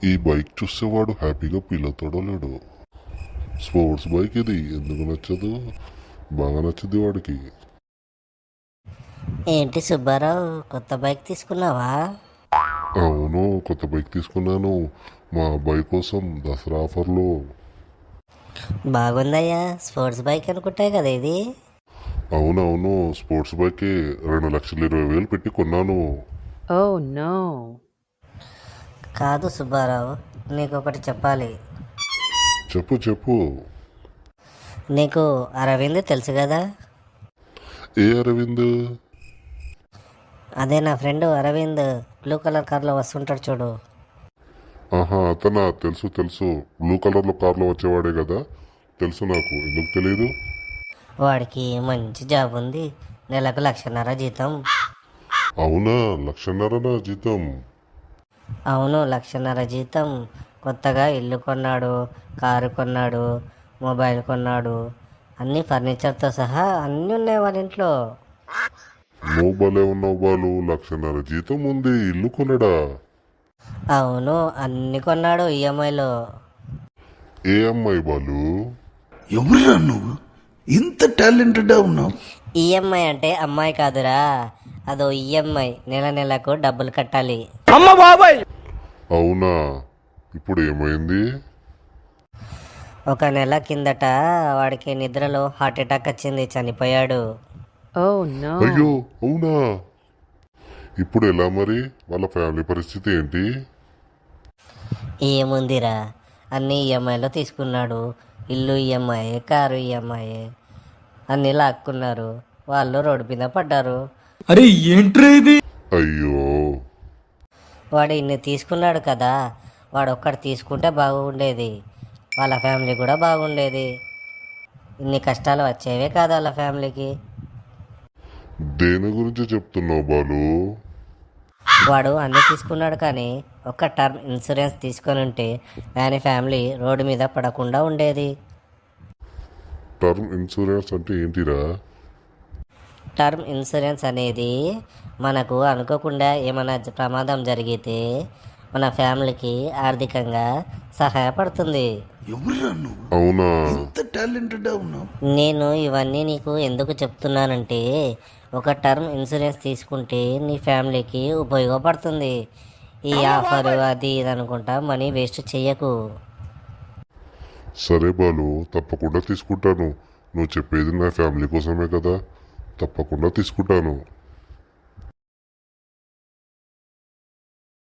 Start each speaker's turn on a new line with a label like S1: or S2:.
S1: ఈ బైక్ చూసేవాడు హ్యాపీగా ఫీల్ అవుతాడో లేడు. స్పోర్ట్స్ బైక్ ఇది ఎందుకు నచ్చదు, బాగా నచ్చుద్ది వాడికి.
S2: ఏంటి సుబ్బారావు, కొత్త బైక్ తీసుకున్నావా?
S1: అవును, కొత్త బైక్ తీసుకున్నాను మా అబ్బాయి కోసం దసరా ఆఫర్లో.
S2: బాగుందయ్యా, స్పోర్ట్స్ బైక్ అనుకుంటాయి కదా ఇది.
S1: అవునవును, స్పోర్ట్స్ బైకే 2,20,000 పెట్టి కొన్నాను.
S3: Oh no.
S2: కాదు సుబ్బారావు, నీకు ఒకటి చెప్పాలి.
S1: చెప్పు చెప్పు.
S2: నీకు అరవింద్ తెలుసు కదా?
S1: ఏ అరవింద్?
S2: అదే నా ఫ్రెండ్ అరవింద్, బ్లూ కలర్ కార్లో వస్తుంటాడు చూడు.
S1: ఆహా, అతనా? తెలుసు తెలుసు, బ్లూ కలర్లో కార్లో వచ్చేవాడే కదా. తెలుసు నాకు, ఎందుకు తెలియదు.
S2: వాడికి మంచి జాబ్ ఉంది, నెలకు 1,50,000 జీతం.
S1: అవునా, 1,50,000 నా జీతం?
S2: అవును, 1,50,000 జీతం. కొత్తగా ఇల్లు కొన్నాడు, కారు కొన్నాడు, మొబైల్ కొన్నాడు, అన్ని ఫర్నిచర్తో సహా అన్నీ ఉన్నాయి వాళ్ళ ఇంట్లో.
S1: నువ్వు భలే ఉన్నావు బాలు, 1,50,000 జీతం ఉంది, ఇల్లు కొనడా?
S2: అవును, అన్ని కొన్నాడు ఈఎంఐలో.
S1: ఏ అమ్మాయి బాలు?
S4: ఎవరురా నువ్వు, ఇంత టాలెంటెడ్గా ఉన్నావు?
S2: ఈఎంఐ అంటే అమ్మాయి కాదురా, అదో ఈఎంఐ, నెల నెలకు డబ్బులు కట్టాలి.
S1: అవునా, ఇప్పుడు ఏమైంది?
S2: ఒక నెల కిందట వాడికి నిద్రలో హార్ట్ అటాక్ వచ్చింది, చనిపోయాడు.
S3: Oh no.
S1: అయ్యో అవునా, ఇప్పుడు ఎలా మరి? వాళ్ళ ఫ్యామిలీ పరిస్థితి ఏంటి?
S2: ఏముందిరా, అన్ని ఈఎంఐలో తీసుకున్నాడు. ఇల్లు ఈఎంఐ, కారు ఈఎంఐ, అన్నీ లాక్కున్నారు. వాళ్ళు రోడ్డు మీద పడ్డారు.
S4: అరే ఏంట్రా ఇది?
S1: అయ్యో,
S2: వాడు ఇన్ని తీసుకున్నాడు కదా, వాడు ఒక్కడు తీసుకుంటే బాగుండేది, వాళ్ళ ఫ్యామిలీ కూడా బాగుండేది. ఇన్ని కష్టాలు వచ్చేవే కాదు వాళ్ళ ఫ్యామిలీకి.
S1: దేని గురించి చెప్తున్నావు బాలు?
S2: వాడు అన్నీ తీసుకున్నాడు కానీ ఒక్క టర్మ్ ఇన్సూరెన్స్ తీసుకొని ఉంటే ఆయన ఫ్యామిలీ రోడ్డు మీద పడకుండా ఉండేది.
S1: టర్మ్ ఇన్సూరెన్స్ అంటే ఏంటిరా?
S2: టర్మ్ ఇన్సూరెన్స్ అనేది మనకు అనుకోకుండా ఏమైనా ప్రమాదం జరిగితే మన ఫ్యామిలీకి ఆర్థికంగా సహాయపడుతుంది.
S4: ఎవరురా నువ్వు,
S1: అవునా,
S4: ఇంత టాలెంటెడ్గా ఉన్నావు?
S2: నేను ఇవన్నీ నీకు ఎందుకు చెప్తున్నానంటే, ఒక టర్మ్ ఇన్సూరెన్స్ తీసుకుంటే నీ ఫ్యామిలీకి ఉపయోగపడుతుంది. ఈ ఆఫర్ అది ఇది అనుకుంటా మనీ వేస్ట్ చెయ్యకు.
S1: సరే బాలు, తప్పకుండా తీసుకుంటాను. నువ్వు చెప్పేది నా ఫ్యామిలీ కోసమే కదా, తప్పకుండా తీసుకుంటాను.